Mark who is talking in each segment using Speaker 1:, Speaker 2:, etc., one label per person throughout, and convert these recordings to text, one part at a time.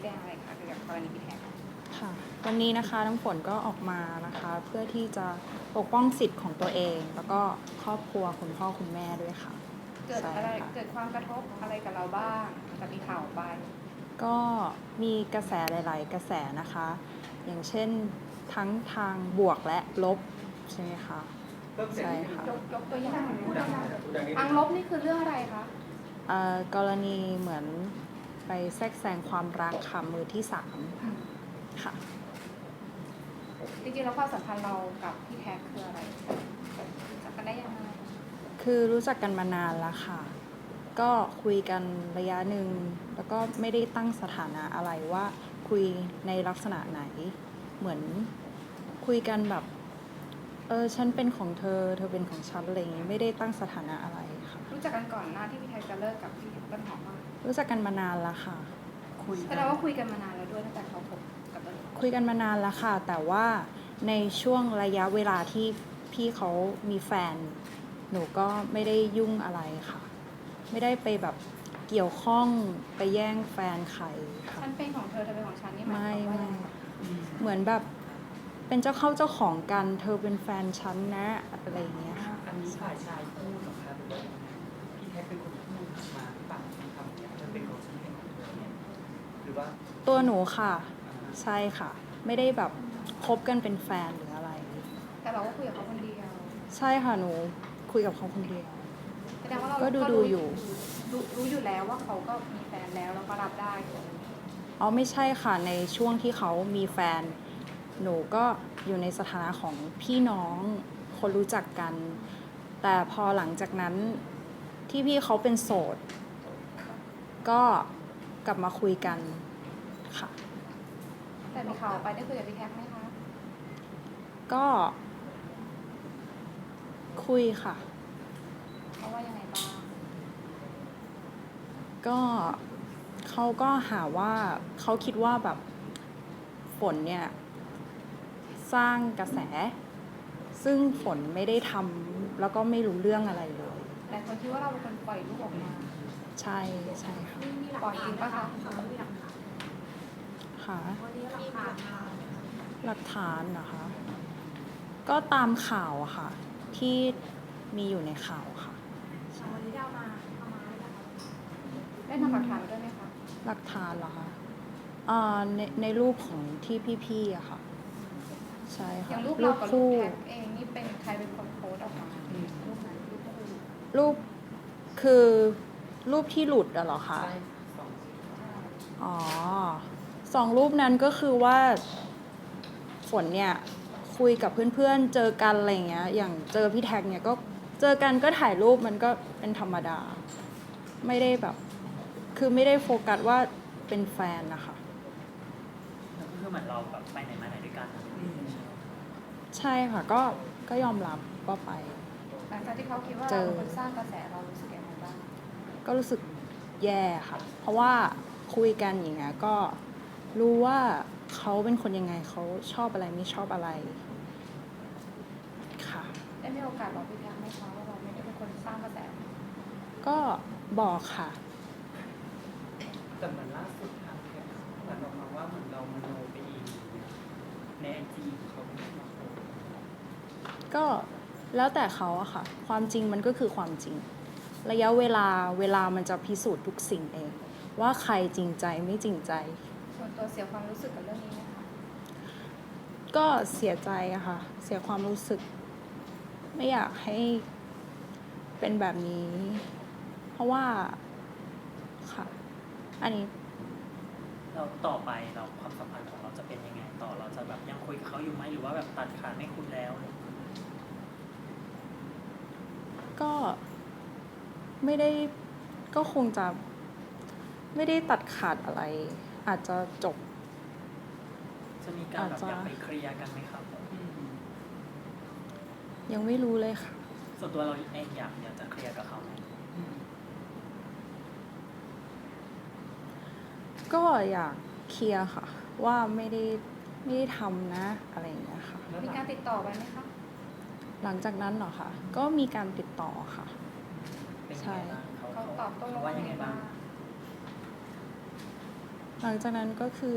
Speaker 1: แจงอะไรคะเกี่ยวกับกรณีพี่แท็ก
Speaker 2: ค่ะวันนี้นะคะน้ำฝนก็ออกมานะคะเพื่อที่จะปกป้องสิทธิ์ของตัวเองแล้วก็ครอบครัวคุณพ่อคุณแม่ด้วยค่ะ
Speaker 1: เกิดอะไรเกิดความกระทบอะไรกับเราบ้างกับมีข่าวไป
Speaker 2: ก็มีกระแสหลายๆกระแสนะคะอย่างเช่นทั้งทางบวกและลบใช่ไหมคะใช่ค่ะ
Speaker 1: ยกตัวอย่างทางลบนี่คือเรื่องอะไรคะ
Speaker 2: กรณีเหมือนไปแทรกแซงความรักค่ะมือที่สามค่ะ
Speaker 1: จริงๆแล้วความสัมพันธ์เรากับพี่แท็กคืออะไรรู้จักกันได้ยังไง
Speaker 2: คือรู้จักกันมานานแล้วค่ะก็คุยกันระยะหนึ่งแล้วก็ไม่ได้ตั้งสถานะอะไรว่าคุยในลักษณะไหนเหมือนคุยกันแบบฉันเป็นของเธอเธอเป็นของฉันอะไรอย่างงี้ไม่ได้ตั้งสถานะอะไรค่ะ
Speaker 1: รู้จักกันก่อนหน้าที่พี่แท็กจะเลิกกับพี่ต้นหอมมาก
Speaker 2: รู้จักกันมานานแล้วค่ะ
Speaker 1: แสดงว่าคุยกันมานานแล้วด้วยตั้งแต่เขาคบกับต้นหอม
Speaker 2: คุยกันมานานแล้วค่ะแต่ว่าในช่วงระยะเวลาที่พี่เขามีแฟนหนูก็ไม่ได้ยุ่งอะไรค่ะไม่ได้ไปแบบเกี่ยวข้องไปแย่งแฟนใครค่ะ
Speaker 1: ฉันเป็นของเธอเธอเป็นของฉันนี่หมาย
Speaker 2: ไม่
Speaker 1: ความว่า
Speaker 2: เหมือนแบบเป็นเจ้าเข้าเจ้าของกันเธอเป็นแฟนฉันนะอะไรอย่างเงี้ยค่ะ
Speaker 3: อันนี้ฝ่ายชายพูดหรอครับหรือว่าพี่แท็กเป็นคนพูดมาพี่ปังทำอย่างนี้เป็นของฉันเป็นของเธอเนี่ยหรือว่า
Speaker 2: ตัวหนูค่ะใช่ค่ะไม่ได้แบบคบกันเป็นแฟนหรืออะไร
Speaker 1: แต่เราก็คุยกับเขาคนเดียว
Speaker 2: ใช่ค่ะหนูคุยกับเขาคนเดียว
Speaker 1: แสดงว่าเรา
Speaker 2: ก็ดูอยู่
Speaker 1: รู้อยู่แล้วว่าเขาก็มีแฟนแล้วแล้วก็รับได้
Speaker 2: อ๋อไม่ใช่ค่ะในช่วงที่เขามีแฟนหนูก็อยู่ในสถานะของพี่น้องคนรู้จักกันแต่พอหลังจากนั้นที่พี่เขาเป็นโสดก็กลับมาคุยกันค่ะ
Speaker 1: แต่มีข่าวไปได้คุยกับพี่แท็กไหมคะ
Speaker 2: ก็คุยค่ะ
Speaker 1: เขาว่ายังไงบ้าง
Speaker 2: ก็เขาก็หาว่าเขาคิดว่าแบบฝนเนี่ยสร้างกระแสซึ่งฝนไม่ได้ทำแล้วก็ไม่รู้เรื่องอะไรเลย
Speaker 1: แต่คนคิดว่าเราเป็นคนปล่อยลูกออกมา
Speaker 2: ใช่ใช่ค่ะ
Speaker 1: ปล่อยจริงปะคะ
Speaker 2: ค่ะ
Speaker 4: วันนี้หลักฐาน
Speaker 2: หลักฐานนะคะก็ตามข่าวอะค่ะที่มีอยู่ในข่าวค่ะ
Speaker 4: วันนี้เอามาหรือยังคะ
Speaker 1: ได้นำหลักฐานมาด้วยไหมคะ
Speaker 2: หลักฐานเหรอคะในรูปของที่พี่ๆอะค่ะใช่
Speaker 1: อ
Speaker 2: ค่ะ
Speaker 1: ย่างรูปเรากับรูปแท็กเองนี่เป็นใครเป็นคนโพสต์ออกมารูปนั้นรูปก็คือ
Speaker 2: คือรูปที่หลุดอะเหรอคะ
Speaker 3: ใช่สอง
Speaker 2: อ๋อสองรูปนั้นก็คือว่าฝนเนี่ยคุยกับเพื่อนๆเจอกันอะไรเงี้ยอย่างเจอพี่แท็กเนี่ยก็เจอกันก็ถ่ายรูปมันก็เป็นธรรมดาไม่ได้แบบคือไม่ได้โฟกัสว่าเป็นแฟนนะคะ
Speaker 3: แล้วก็คือเหมือนเราแบบไปไหนมาไหนด้วยกัน
Speaker 2: ใช่ค่ะก็ยอมรับว่าไป
Speaker 1: หลังจากที่เขาคิดว่าเราเป็นคนสร้างกระแสเรารู้สึกยังไงบ้าง
Speaker 2: ก็รู้สึกแย่ค่ะเพราะว่าคุยกันอย่างเงี้ยก็รู้ว่าเขาเป็นคนยังไงเขาชอบอะไรไม่ชอบอะไรค่ะ
Speaker 1: ได้มีโอกาสบอกพี่แท็กไหมคะว่าเราไม่ได้เป็นคนสร้างกระแส
Speaker 2: ก็บอกค่ะ
Speaker 3: แต่เหมือนล่าสุดทางแท็กเหมือนออกมาว่าเหมือนเรามโนไปเองในไอจีของเขาไม่ได้มาโพสต์
Speaker 2: ก็แล้วแต่เขาอะค่ะความจริงมันก็คือความจริงระยะเวลามันจะพิสูจน์ทุกสิ่งเองว่าใครจริงใจไม่จริงใจ
Speaker 1: ส่วนตัวเสียความรู้สึกกับเรื่องนี้ไหมคะ
Speaker 2: ก็เสียใจอะค่ะเสียความรู้สึกไม่อยากให้เป็นแบบนี้เพราะว่าค่ะอันนี้
Speaker 3: เราต่อไปเราความสัมพันธ์ของเราจะเป็นยังไงต่อเราจะแบบยังคุยกับเขาอยู่ไหมหรือว่าแบบตัดขาดไม่คุยแล้ว
Speaker 2: ก็ไม่ได้ก็คงจะไม่ได้ตัดขาดอะไรอาจจะจบ
Speaker 3: จะมีการแบบอยากไปเคลียร์กันไหมครับ
Speaker 2: ยังไม่รู้เลยค่ะ
Speaker 3: ส่วนตัวเราเองอยากจะเคลียร์กับเขาไหม
Speaker 2: ก็อยากเคลียร์ค่ะว่าไม่ได้ทำนะอะไรอย่างเงี้ยค่ะ
Speaker 1: มีการติดต่อไปไหมคะ
Speaker 2: หลังจากนั้นเหรอคะก็มีการติดต่อค่ะใช่
Speaker 1: เขาตอบโต้
Speaker 3: ว่ายังไงบ้าง
Speaker 2: หลังจากนั้นก็คือ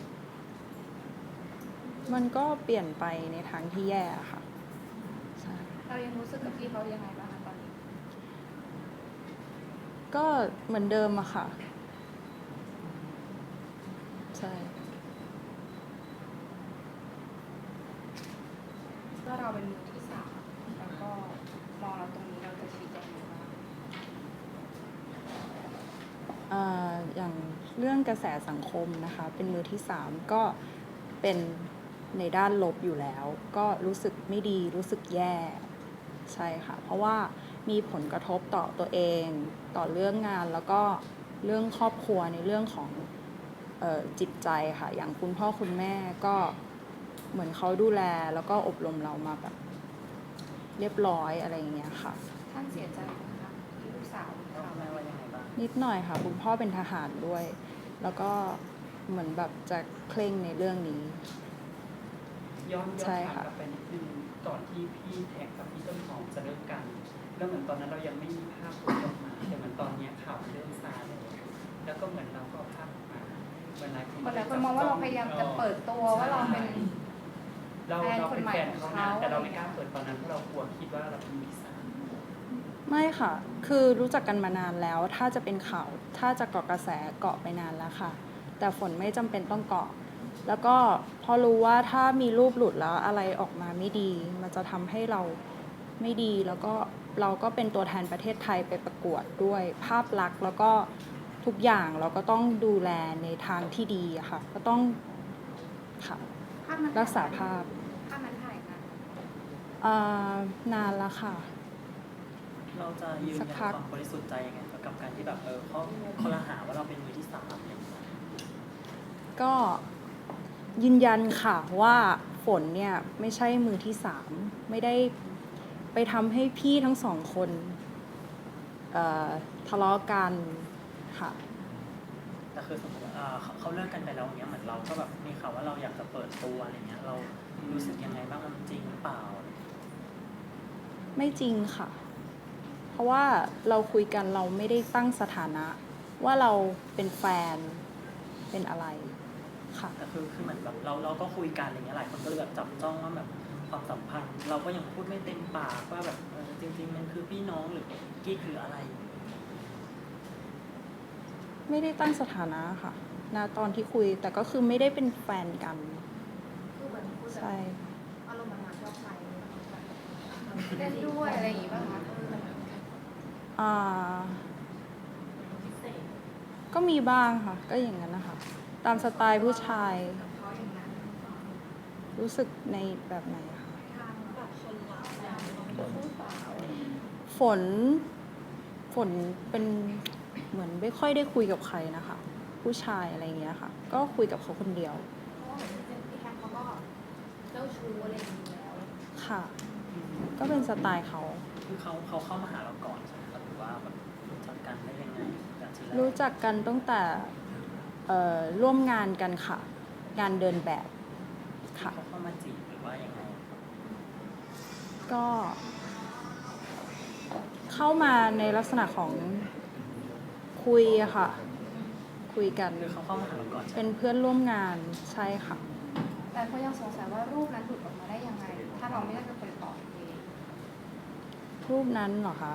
Speaker 2: มันก็เปลี่ยนไปในทางที่แย่ค่ะใช่
Speaker 1: เรายังรู้สึกกับพี่เขายังไงบ้างคะตอนนี้
Speaker 2: ก็เหมือนเดิมอะค่ะ ใช่
Speaker 1: ก็เราเป็นมือที่สามแล้วก็มองเราตรงนี้เราจะชี้แจงยังไงบ้าง
Speaker 2: อย่างเรื่องกระแสสังคมนะคะ เป็นมือที่สามก็เป็นในด้านลบอยู่แล้ว ก็รู้สึกไม่ดีรู้สึกแย่ใช่ค่ะ เพราะว่ามีผลกระทบต่อตัวเองต่อเรื่องงานแล้วก็เรื่องครอบครัวในเรื่องของจิตใจค่ะ อย่างคุณพ่อคุณแม่ก็เหมือนเขาดูแลแล้วก็อบรมเรามาแบบเรียบร้อยอะไรอย่างเงี้ยค่ะ
Speaker 1: ท่านเสียใจไหมคะที่ลูกสาวมี
Speaker 3: แล้ว
Speaker 1: ข่าว
Speaker 3: แม่ว่ายังไงบ้าง
Speaker 2: นิดหน่อยค่ะ คุณพ่อเป็นทหารด้วย แล้วก็เหมือนแบบจะเคร่งในเรื่องนี้
Speaker 3: ย้อน
Speaker 2: ใช่
Speaker 3: ถาม
Speaker 2: ค่ะ
Speaker 3: กลับไปนิดนึงก่อนที่พี่แท็กกับพี่ต้นหอมจะเลิกกันแล้วเหมือนตอนนั้นเรายังไม่มีภาพออกมาแต่เหมือนตอนเนี้ยข่าวเริ่มซาแล้วก็เหมือนเราก็เอาภาพออกมาเหมือนหลายคน
Speaker 1: คนหลายคนมองว่าเราพยายามจะเปิดตัวว่าเราเป็น
Speaker 3: เรา
Speaker 1: แฟน
Speaker 3: เรา
Speaker 1: คน
Speaker 3: เป็น
Speaker 1: ใหม่
Speaker 3: แฟน
Speaker 1: ของ
Speaker 3: เขานะ
Speaker 1: เขา
Speaker 3: แต่เราไม่กล้าเปิดตอนนั้นเพราะเรากลัวคิดว่าเราเป็นมือที่สาม
Speaker 2: ไม่ค่ะ คือรู้จักกันมานานแล้ว ถ้าจะเป็นข่าว ถ้าจะเกาะกระแสเกาะไปนานแล้วค่ะ แต่ฝนไม่จำเป็นต้องเกาะ แล้วก็พอรู้ว่าถ้ามีรูปหลุดแล้วอะไรออกมาไม่ดี มันจะทำให้เราไม่ดี แล้วก็เราก็เป็นตัวแทนประเทศไทยไปประกวดด้วยภาพลักษณ์แล้วก็ทุกอย่างเราก็ต้องดูแลในทางที่ดีอะค่ะ ก็ต้องค่ะ
Speaker 1: ภาพนั้น
Speaker 2: รักษาภาพ
Speaker 1: ภาพนั้นถ่ายกัน
Speaker 2: นานแล้วค่ะ
Speaker 5: เราจะยืน
Speaker 2: สั
Speaker 5: ยั
Speaker 2: ก
Speaker 5: น
Speaker 2: พัก
Speaker 5: ความบริสุทธิ์ใจยังไงกับการที่แบบเขาละหาว่าเราเป็นมือที่สามอะไรอย่างเงี้ย
Speaker 2: ก็ยืนยันค่ะว่าฝนเนี่ยไม่ใช่มือที่สามไม่ได้ไปทำให้พี่ทั้งสองคนทะเลาะกันค่ะ
Speaker 5: แต่คือสมมติว่าเขาเลิกกันไปแล้วอย่างเงี้ยเหมือนเราก็แบบมีข่าวว่าเราอยากจะเปิดตัวอะไรเงี้ยเรารู้สึกยังไงบ้างมันจริงหรือเปล่า
Speaker 2: ไม่จริงค่ะ เพราะว่าเราคุยกันเราไม่ได้ตั้งสถานะ ว่าเราเป็นแฟนเป็นอะไรค่ะ
Speaker 5: แต่คือเหมือนแบบเราก็คุยกันอะไรเงี้ยหลายคนก็เลยแบบจับจ้องว่าแบบความสัมพันธ์ เราก็ยังพูดไม่เต็มปากว่าแบบจริงๆมันคือพี่น้องหรือกี้คืออะไร
Speaker 2: ไม่ได้ตั้งสถานะค่ะณตอนที่คุยแต่ก็คือไม่ได้เป็นแฟนกัน
Speaker 4: คือเหมือนพูดแบบ
Speaker 2: ใช่
Speaker 4: อารมณ์มันมาชอบใจ
Speaker 1: เล่นด้วยอะไรอย่างงี้ป่ะคะ
Speaker 2: อ่า
Speaker 4: พิเศษ
Speaker 2: ก็มีบ้างค่ะ ก็อย่างนั้นนะคะ ตามสไตล์ผู้ชาย
Speaker 4: กับเขาอย่างนั้น
Speaker 2: รู้สึกในแบบไหนคะ
Speaker 4: ทางแบบคนรัก
Speaker 2: ฝนเป็นเหมือนไม่ค่อยได้คุยกับใครนะคะ ผู้ชายอะไรอย่างเงี้ยค่ะ ก็คุยกับเขาคนเดียว
Speaker 4: เพราะว่าเหมือนพี่แคทเขาก็เจ้าชู้อะไรอย่างนี้แล้ว
Speaker 2: ค่ะ ก็เป็นสไตล์เขา
Speaker 5: คือเขาเข้ามาหาเราก่อนใช่ไหมครับหรือว่าแบบรู้จักกันได้ยังไงจากที่แรก
Speaker 2: รู้จักกันตั้งแต่ร่วมงานกันค่ะ งานเดินแบบค่ะ
Speaker 5: เขาเข้ามาจีบหรือว่ายังไง
Speaker 2: ก็เข้ามาในลักษณะของคุยอะค่ะ คุยกัน
Speaker 5: คือเขาเข้ามาหาเราก่อนใช่ไหม
Speaker 2: เป็นเพื่อนร่วมงานใช่ค่ะ
Speaker 1: แต่ก็ยังสงสัยว่ารูปนั้นหลุดออกมาได้ยังไง ถ้าเราไม่ได้เป็นคนตอบเอง
Speaker 2: รูปนั้นเหรอคะ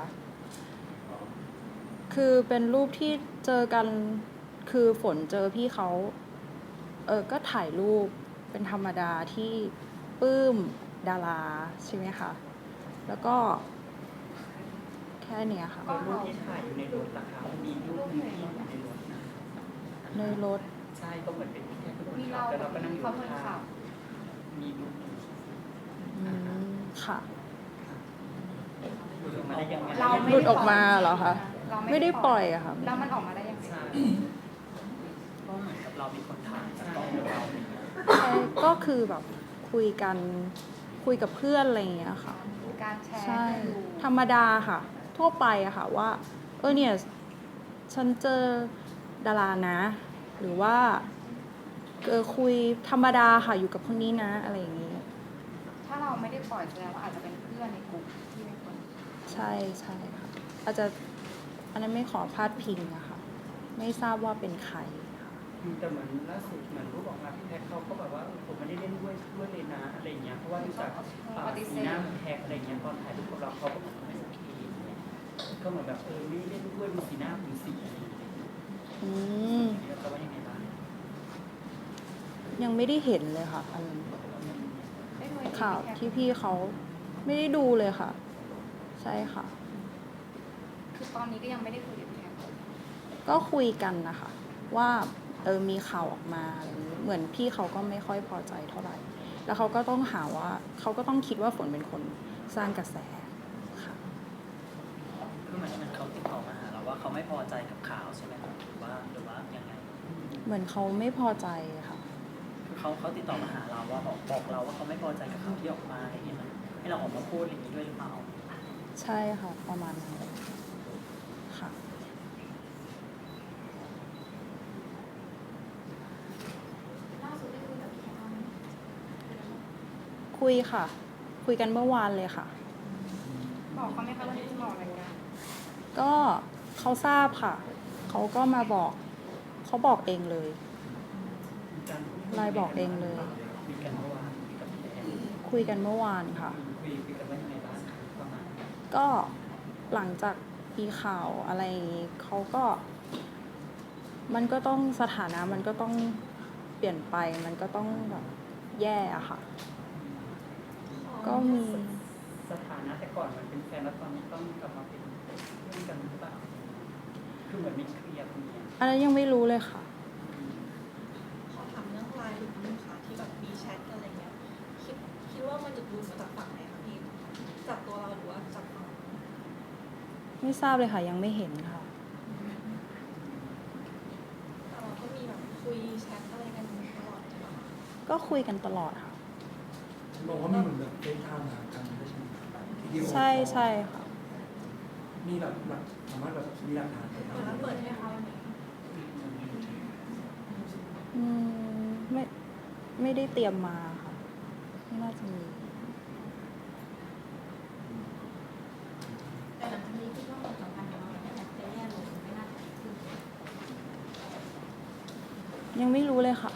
Speaker 2: คือเป็นรูปที่เจอกัน คือฝนเจอพี่เขา ก็ถ่ายรูปเป็นธรรมดาที่ปลื้มดาราใช่ไหมคะ แล้วก็แค่เนี้ยค่ะ
Speaker 3: ก็รูปที่ถ่ายอยู่ในรถราคามีรูปหนึงที่อยู่ในรถนะ
Speaker 2: ในรถ
Speaker 3: ใช่ก็เหมือนเป็นพี่แท็กเป็นคน
Speaker 1: มี
Speaker 3: ขั
Speaker 1: เรา
Speaker 3: บแต่เราก็นั่งอยู่
Speaker 1: เขาคนขั
Speaker 3: ข้าง
Speaker 1: บ
Speaker 3: ๆมีรูปหนึง
Speaker 2: ค่ะ
Speaker 3: หลุดออกมาได้ยังไง
Speaker 1: เราไม่
Speaker 2: หลุดออกมาเหรอคะ
Speaker 1: เรา
Speaker 2: ไม่ได้ปล่อยอะค่ะ
Speaker 1: แล้วมันออกมาได้ยังไง
Speaker 3: ใช่
Speaker 5: ก็เหมือนกับเรามีคนถ่ายจากกล้องเราอย่างเงี้ย
Speaker 2: ใช่ก็คือแบบคุยกัน คุยกับเพื่อนอะไรอย่างเงี้ยค่ะ
Speaker 1: มีการแชร์
Speaker 2: ใช่
Speaker 1: ให้ดู
Speaker 2: ธรรมดาค่ะ ทั่วไปอะค่ะว่า เนี่ย ฉันเจอดารานะ หรือว่าคุยธรรมดาค่ะ อยู่กับคนนี้นะ อะไรอย่างนี้
Speaker 1: ถ้าเราไม่ได้ปล่อยแสดงว่าอาจจะเป็นเพื่อนในกลุ่มที่เป็นคน
Speaker 2: ใช่ใช่ค่ะ อาจจะอันนั้นไม่ขอพาดพิงอะค่ะ ไม่ทราบว่าเป็นใครค่ะ
Speaker 3: แต่เหมือนล่าสุดเหมือนรูปออกมาพี่แท็กเขาก็แบบว่าผมไม่ได้เล่นด้วยเลยนะอะไรอย่างเงี้ยเพราะว่าดูจากสีหน้าของแท็กอะไรอย่างเงี้ยตอนถ่ายรูปกับเราเขาก็บอกไม่โอเคอย่างเงี้ยก็เหมือนแบบไม่เล่นด้วยดูสีหน้าดูสีอะไรอย่างเงี้ย
Speaker 2: อืม
Speaker 3: แล้วก็ว่ายังไงบ้าง
Speaker 2: ยังไม่ได้เห็นเลยค่ะอันนั้น
Speaker 1: ได้ดู
Speaker 2: ข่าวที่พี่เขาไม่ได้ดูเลยค่ะ ใช่ค่ะ
Speaker 1: คือตอนนี้ก็ยังไม่ได้คุยกับพี่แท็ก
Speaker 2: ก็คุยกันนะคะ ว่ามีข่าวออกมาอะไรอย่างนี้เหมือนพี่เขาก็ไม่ค่อยพอใจเท่าไหร่ แล้วเขาก็ต้องหาว่าเขาก็ต้องคิดว่าฝนเป็นคนสร้างกระแสค่ะ
Speaker 5: คือเหมือนเขาติดต่อมาหาเราว่าเขาไม่พอใจกับข่าวใช่ไหมครับหรือว่ายังไง
Speaker 2: เหมือนเขาไม่พอใจค่ะ
Speaker 5: คือเขาติดต่อมาหาเราว่าบอกเราว่าเขาไม่พอใจกับข่าวที่ออกมาอะไรอย่างเงี้ยมันให้เราออกมาพูดอย่างนี้ด้วยหรือเปล่า
Speaker 2: ใช่ค่ะ ประมาณนั้นเลยค่ะ
Speaker 4: ล่าสุดได้คุยกับพี่แท็กบ้างไหม
Speaker 2: คุยค่ะ คุยกันเมื่อวานเลยค่ะ
Speaker 1: บอกเขาไหมคะว่าจะบอกอะไรกัน
Speaker 2: ก็เขาทราบค่ะ เขาก็มาบอก เขาบอกเองเลย ไลน์บอกเองเลย
Speaker 3: คุยกันเมื่อวานคุยกับพี่แท็ก
Speaker 2: คุยกันเมื่อวานค่ะ
Speaker 3: คุยกันว่ายังไงบ้างประมาณ
Speaker 2: ก็หลังจากมีข่าวอะไรอย่างนี้เขาก็ มันก็ต้องสถานะมันก็ต้องเปลี่ยนไป มันก็ต้องแบบแย่อะค่ะ ก็มี
Speaker 3: สถานะแต่ก่อนมันเป็นแฟนแล้วตอนนี้ต้องกลับมาเป็นเพื่อนกันหรือเปล่าคือเหมือนไม่เคลียร์ตรงเนี้ย
Speaker 2: อันนั้นยังไม่รู้เลยค่ะ
Speaker 6: ขอถามเรื่องไลน์หลุดนึงค่ะที่แบบมีแชทกันอะไรเงี้ยคิดว่ามันจะดูมาจากฝั่งไหนคะพี่จากตัวเราหรือว่าจากฝั่ง
Speaker 2: ไม่ทราบเลยค่ะ ยังไม่เห็นค่ะ
Speaker 6: แต่เราก็มีแบบคุยแชทอะไรกันตลอดใช่ปะ
Speaker 2: ก็คุยกันตลอดค่ะ
Speaker 7: บอกว่ามีเหมือนแบบเฟซไทม์หากันได้ใช่ไหมวิดีโอคอล
Speaker 2: ใช่ใช่ค่ะ
Speaker 7: มีแบบสามารถแบบมีหลักฐานไหม
Speaker 6: เหมือนเราเปิดให้เขาวันนี้
Speaker 2: อืมไม่ได้เตรียมมาค่ะ ไม่น่าจะมี
Speaker 4: แต่หลังจากนี้คิดว่าความสัมพันธ์ของเรากับพี่แท็กจะแย่ลงไม่น่าจะดีขึ้น
Speaker 2: ยังไม่รู้เลยค่ะ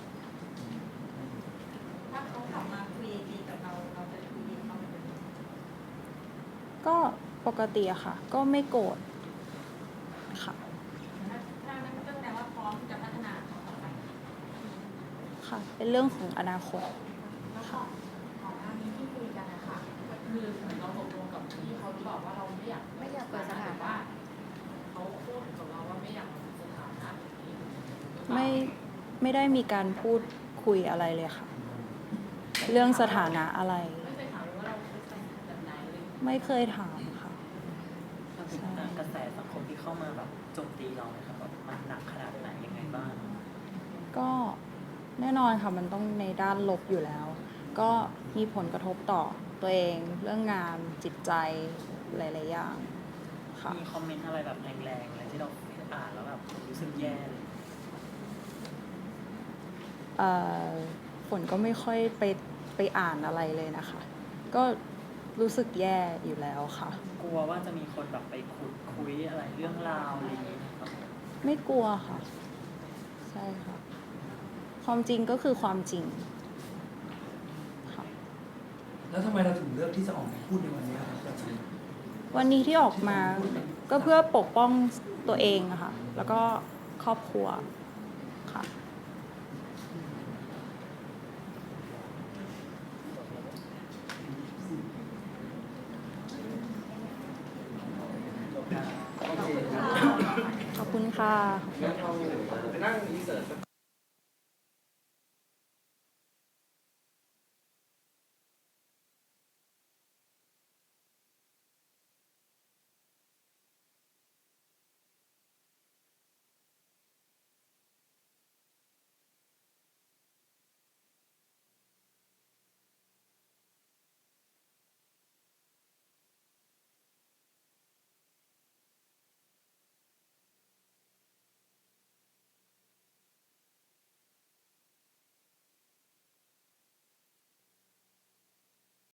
Speaker 4: ถ้าเขากลับมาคุยดีกับเราเราจะคุยดีกับเขาเหมือนเดิม
Speaker 2: ก็ปกติอะค่ะ ก็ไม่โกรธค่ะ
Speaker 4: ถ้านั้นก็แปลว่าพร้อมที่จะพัฒนาต่อไป
Speaker 2: ค่ะ เป็นเรื่องของอนาคต
Speaker 8: แล้วของหน้านี้ที่คุยกันนะคะก็คือเหมือนเราตกลงกับพี่เขาหรือเปล่าว่าเราไม่อยาก
Speaker 1: ไม่อยากเปิดสถานะ
Speaker 8: ว่าเขาพูดกับเราว่าไม่อยากมีสถานะแบบนี้หรือเปล่า
Speaker 2: ไม่ได้มีการพูดคุยอะไรเลยค่ะ เรื่องสถานะอะไร
Speaker 8: ไม่เคยถามเลยว่าเราเป็นแฟนแบบไหนเลย
Speaker 2: ไม่เคยถามค่ะ
Speaker 5: กระแสสังคมที่เข้ามาแบบโจมตีเราเนี่ยครับแบบมันหนักขนาดไหนยังไงบ้าง
Speaker 2: ก็แน่นอนค่ะ มันต้องในด้านลบอยู่แล้ว ก็มีผลกระทบต่อตัวเอง เรื่องงานจิตใจหลายๆอย่างค่ะ
Speaker 5: มีคอมเมนต์อะไรแบบแรงๆอะไรที่เราอ่านแล้วแบบรู้สึกแย่เลย
Speaker 2: ฝนก็ไม่ค่อยไปอ่านอะไรเลยนะคะ ก็รู้สึกแย่อยู่แล้วค่ะ
Speaker 5: กลัวว่าจะมีคนแบบไปขุดคุยอะไรเรื่องราวอะไรอย่างเงี้ยครับ
Speaker 2: ไม่กลัวค่ะ ใช่ค่ะ ความจริงก็คือความจริงค่ะ
Speaker 7: แล้วทำไมเราถึงเลือกที่จะออกมาพูดในวันนี้ครับอาจารย์
Speaker 2: วันนี้ที่ออกมาก็เพื่อปกป้องตัวเองอะค่ะ แล้วก็ครอบครัวค่ะ
Speaker 7: โอเค
Speaker 2: ขอบคุณค่ะ
Speaker 7: งั้นเราไปนั่งรีเสิร์ชสัก